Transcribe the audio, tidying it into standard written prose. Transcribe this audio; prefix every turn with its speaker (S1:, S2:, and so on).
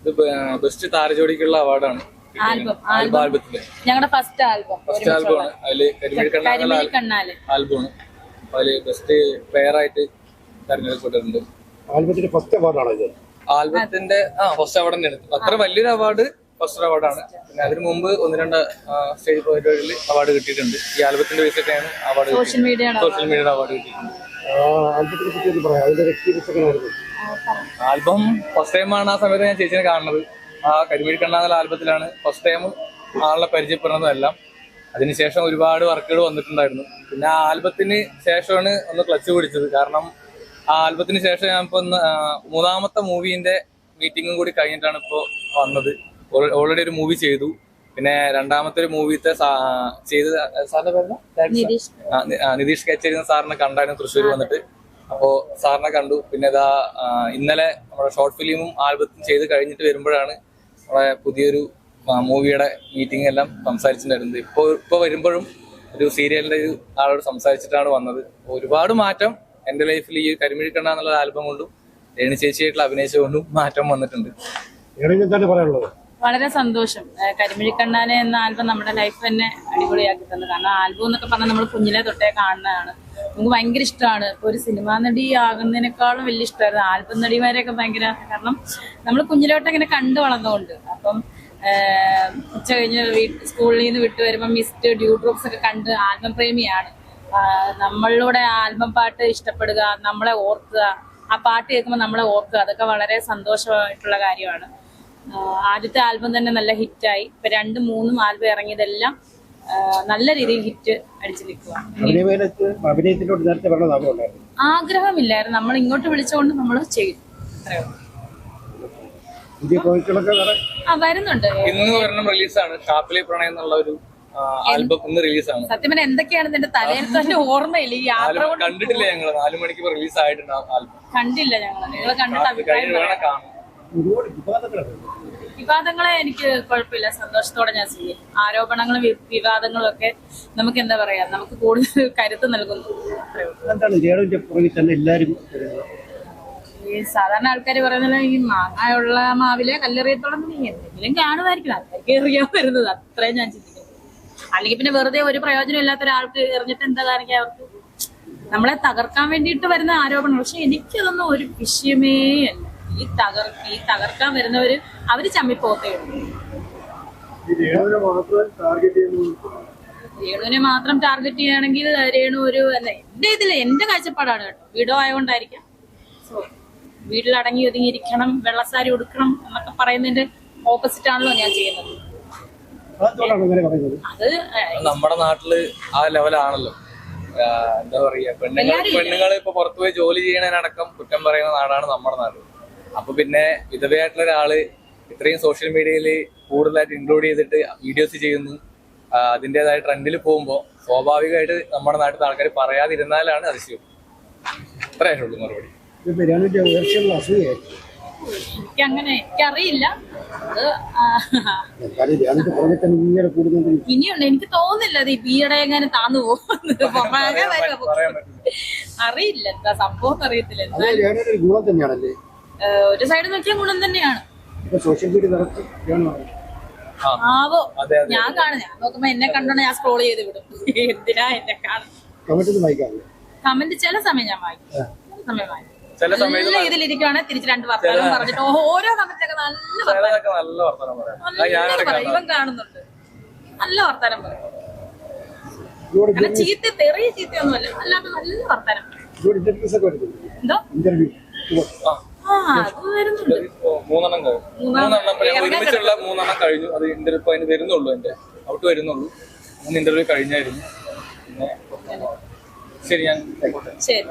S1: ഇത് ബെസ്റ്റ് താരജോടിക്കുള്ള അവാർഡാണ്. ആൽബത്തില്
S2: ഞങ്ങളുടെ ഫസ്റ്റ്
S1: ആൽബമാണ്. അതില്
S2: കണ്ണാല്
S1: ആൽബമാണ്. അതില് ബെസ്റ്റ് പെയർ ആയിട്ട് തെരഞ്ഞെടുക്കപ്പെട്ടിട്ടുണ്ട്.
S3: ആൽബത്തിന്റെ ഫസ്റ്റ് അവാർഡാണ് ഇത്.
S1: ആൽബത്തിന്റെ ഫസ്റ്റ് അവാർഡ് തന്നെയാണ്. അത്ര വലിയൊരു അവാർഡ് ഫസ്റ്റ് അവാർഡാണ്. പിന്നെ അതിന് മുമ്പ് 1-2 സ്റ്റേജ് പരിപാടികളിൽ അവാർഡ് കിട്ടിയിട്ടുണ്ട്. ഈ ആൽബത്തിന്റെ ബേസിലാണ് അവാർഡ്
S2: സോഷ്യൽ മീഡിയയുടെ
S1: അവാർഡ് കിട്ടിയിട്ടുണ്ട്.
S3: ആൽബത്തിനെ പറ്റി പറയാം, അതിന്റെ എക്സ്പീരിയൻസ് എങ്ങനെയായിരുന്നു?
S1: ആൽബം ഫസ്റ്റ് ടൈമാണ് ആ സമയത്ത് ഞാൻ ചേച്ചിനെ കാണുന്നത്. ആ കരിമിഴി കണ്ണാന്നുള്ള ആൽബത്തിലാണ് ഫസ്റ്റ് ടൈം ആളെ പരിചയപ്പെടുന്നതും എല്ലാം. അതിനുശേഷം ഒരുപാട് വർക്കുകൾ വന്നിട്ടുണ്ടായിരുന്നു. പിന്നെ ആ ആൽബത്തിന് ശേഷമാണ് ഒന്ന് ക്ലച്ച് പിടിച്ചത്. കാരണം ആ ആൽബത്തിന് ശേഷം ഞാൻ ഇപ്പൊ 3ാമത്തെ മൂവിന്റെ മീറ്റിംഗും കൂടി കഴിഞ്ഞിട്ടാണ് ഇപ്പോ വന്നത്. ഓൾറെഡി ഒരു മൂവി ചെയ്തു. പിന്നെ 2ാമത്തെ ഒരു മൂവിത്തെ ചെയ്ത് സാറിന്റെ പേര് നിതീഷ് കച്ചേരി സാറിനെ കണ്ടായിരുന്നു തൃശ്ശൂർ വന്നിട്ട്. അപ്പോ സാറിനെ കണ്ടു. പിന്നെ ഇതാ ഇന്നലെ നമ്മുടെ ഷോർട്ട് ഫിലിമും ആൽബത്തും ചെയ്ത് കഴിഞ്ഞിട്ട് വരുമ്പോഴാണ് നമ്മുടെ പുതിയൊരു മൂവിയുടെ മീറ്റിംഗ് എല്ലാം സംസാരിച്ചിട്ടുണ്ടായിരുന്നത്. ഇപ്പൊ വരുമ്പോഴും ഒരു സീരിയലിന്റെ ഒരു ആളോട് സംസാരിച്ചിട്ടാണ് വന്നത്. ഒരുപാട് മാറ്റം എന്റെ ലൈഫിൽ ഈ കരിമിഴി കണ്ണ എന്നുള്ള ആൽബം കൊണ്ടും രേണു ചേച്ചിയായിട്ടുള്ള അഭിനയിച്ചുകൊണ്ടും മാറ്റം വന്നിട്ടുണ്ട്.
S3: എന്താണ് പറയാനുള്ളത്?
S2: വളരെ സന്തോഷം. കരിമിഴിക്കണ്ണാനെ എന്ന ആൽബം നമ്മുടെ ലൈഫ് തന്നെ അടിപൊളിയാക്കി തന്നു. കാരണം ആൽബം എന്നൊക്കെ പറഞ്ഞാൽ നമ്മൾ കുഞ്ഞിലെ തൊട്ടേ കാണുന്നതാണ്. നമുക്ക് ഭയങ്കര ഇഷ്ടമാണ്. ഇപ്പൊ ഒരു സിനിമാ നടി ആകുന്നതിനേക്കാളും വലിയ ഇഷ്ടമായിരുന്നു ആൽബം നടിമാരെയൊക്കെ ഭയങ്കര. കാരണം നമ്മൾ കുഞ്ഞിലോട്ട് ഇങ്ങനെ കണ്ടു വളർന്നുകൊണ്ട്. അപ്പം ഉച്ച കഴിഞ്ഞ് സ്കൂളിൽ നിന്ന് വിട്ടു വരുമ്പോൾ മിസ്റ്റ് ഡ്യൂ ഡ്രോപ്സ് ഒക്കെ കണ്ട് ആൽബം പ്രേമിയാണ്. നമ്മളിലൂടെ ആൽബം പാട്ട് ഇഷ്ടപ്പെടുക, നമ്മളെ ഓർക്കുക, ആ പാട്ട് കേൾക്കുമ്പോൾ നമ്മളെ ഓർക്കുക, അതൊക്കെ വളരെ സന്തോഷമായിട്ടുള്ള കാര്യമാണ്. ആദ്യത്തെ ആൽബം തന്നെ നല്ല ഹിറ്റായി. ഇപ്പൊ 2-3 ആൽബം ഇറങ്ങിയതെല്ലാം നല്ല രീതിയിൽ ഹിറ്റ് അടിച്ചു നിൽക്കുക. ആഗ്രഹമില്ലായിരുന്നു, നമ്മൾ ഇങ്ങോട്ട് വിളിച്ചുകൊണ്ട് നമ്മൾ ചെയ്തു. വരുന്നുണ്ട്.
S1: ഇന്ന് റിലീസാണ് ഷാപ്പിലെ പ്രണയം എന്നുള്ള ഒരു ആൽബം. ഇന്ന് റിലീസാണ്.
S2: സത്യം പറഞ്ഞാൽ എന്തൊക്കെയാണ് ഇതിന്റെ തലയിൽ തന്നെ ഓർമ്മയില്ല. ഈ യാത്ര
S1: കണ്ടിട്ടില്ല ഞങ്ങള്. 4 മണിക്ക് റിലീസ് ആയിട്ടുണ്ട് ആൽബം.
S2: കണ്ടില്ല ഞങ്ങള്. നിങ്ങള് കണ്ടിട്ട് അഭിപ്രായം വിവാദങ്ങളെ എനിക്ക് കുഴപ്പമില്ല, സന്തോഷത്തോടെ ഞാൻ ചെയ്യും. ആരോപണങ്ങളും വിവാദങ്ങളും ഒക്കെ നമുക്ക് എന്താ പറയാ, നമുക്ക് കൂടുതൽ കരുത്ത് നൽകുന്നു. ഈ സാധാരണ ആൾക്കാർ പറയുന്നത് ഈ മാങ്ങയുള്ള മാവിലെ കല്ലെറിയത്തോളം എന്തെങ്കിലും കാണുമായിരിക്കും. ആൾക്കാർക്ക് എറിയാൻ വരുന്നത് അത്രയും ഞാൻ ചിന്തിക്കുന്നു. അല്ലെങ്കിൽ പിന്നെ വെറുതെ ഒരു പ്രയോജനം ഇല്ലാത്ത ഒരാൾക്ക് എറിഞ്ഞിട്ട് എന്താ കാണിക്കുക? അവർക്ക് നമ്മളെ തകർക്കാൻ വേണ്ടിയിട്ട് വരുന്ന ആരോപണം. പക്ഷെ എനിക്കതൊന്നും ഒരു വിഷയമേ അല്ല. ഈ തകർക്കാൻ വരുന്നവര് അവര് ചമ്മിപ്പോത്തേ ഉള്ളൂ. രേണുവിനെ മാത്രം ടാർഗറ്റ് ചെയ്യുകയാണെങ്കിൽ രേണു ഒരു എന്റെ കാഴ്ചപ്പാടാണ് കേട്ടോ. വീടോ ആയതുകൊണ്ടായിരിക്കാം. സോ വീട്ടിലടങ്ങി ഒതുങ്ങിയിരിക്കണം, വെള്ളസാരി ഉടുക്കണം എന്നൊക്കെ പറയുന്നതിന്റെ ഓപ്പോസിറ്റ് ആണല്ലോ ഞാൻ ചെയ്യുന്നത്. അത്
S1: നമ്മുടെ നാട്ടില് ആ ലെവലാണല്ലോ. എന്താ പറയാ, പെണ്ണുങ്ങള് ഇപ്പൊ പുറത്തുപോയി ജോലി ചെയ്യണതിനടക്കം കുറ്റം പറയുന്ന നാടാണ് നമ്മുടെ നാട്. അപ്പൊ പിന്നെ വിധവയായിട്ടുള്ള ഒരാള് ഇത്രയും സോഷ്യൽ മീഡിയയില് കൂടുതലായിട്ട് ഇൻക്ലൂഡ് ചെയ്തിട്ട് വീഡിയോസ് ചെയ്യുന്നു, അതിൻ്റെതായ ട്രെൻഡിൽ പോകുമ്പോൾ സ്വാഭാവികമായിട്ട് നമ്മുടെ നാട്ടിലെ ആൾക്കാർ പറയാതിരുന്നാലാണ് അതിശയം. അത്രയായിട്ടുള്ളൂ മറുപടി.
S2: എനിക്കറിയില്ല. ഇനിയുണ്ട്. എനിക്ക് തോന്നുന്നില്ല അത് ഈയിടെ എങ്ങനെ താന്നു പോകുന്നത്. അറിയില്ല എന്താ സംഭവം അറിയത്തില്ല. ഒരു സൈഡ് നോക്കിയാൽ ഗുണം തന്നെയാണ്. ആവോ, ഞാൻ കാണുന്ന നോക്കുമ്പോ എന്നെ കണ്ടോണ്ട് ഞാൻ സ്ക്രോൾ ചെയ്ത് വിടും. എന്തിനാ എന്നെ കാണും? കമന്റ് ചില സമയം ഞാൻ വായിക്കും, സമയം വായിക്കും. നല്ല ഇതിലിരിക്കുവാണെങ്കിൽ തിരിച്ച് 2 വർത്തമാനം പറഞ്ഞിട്ട് ഓരോ കമന്റിലൊക്കെ നല്ല വർത്തമാനം ഇവൻ കാണുന്നുണ്ട്. നല്ല വർത്തമാനം പറയും. കാരണം തെറിയ ചീത്തയൊന്നുമല്ല, അല്ലാതെ നല്ല വർത്തമാനം. എന്തോ
S1: ഒരുമിച്ചുള്ള 3 കഴിഞ്ഞു. അത് ഇന്റർവ്യൂ അതിന് വരുന്നുള്ളൂ, എന്റെ ഔട്ട് വരുന്നുള്ളൂ. 3 ഇന്റർവ്യൂ കഴിഞ്ഞായിരുന്നു. പിന്നെ ശരി, ഞാൻ
S2: ശരി.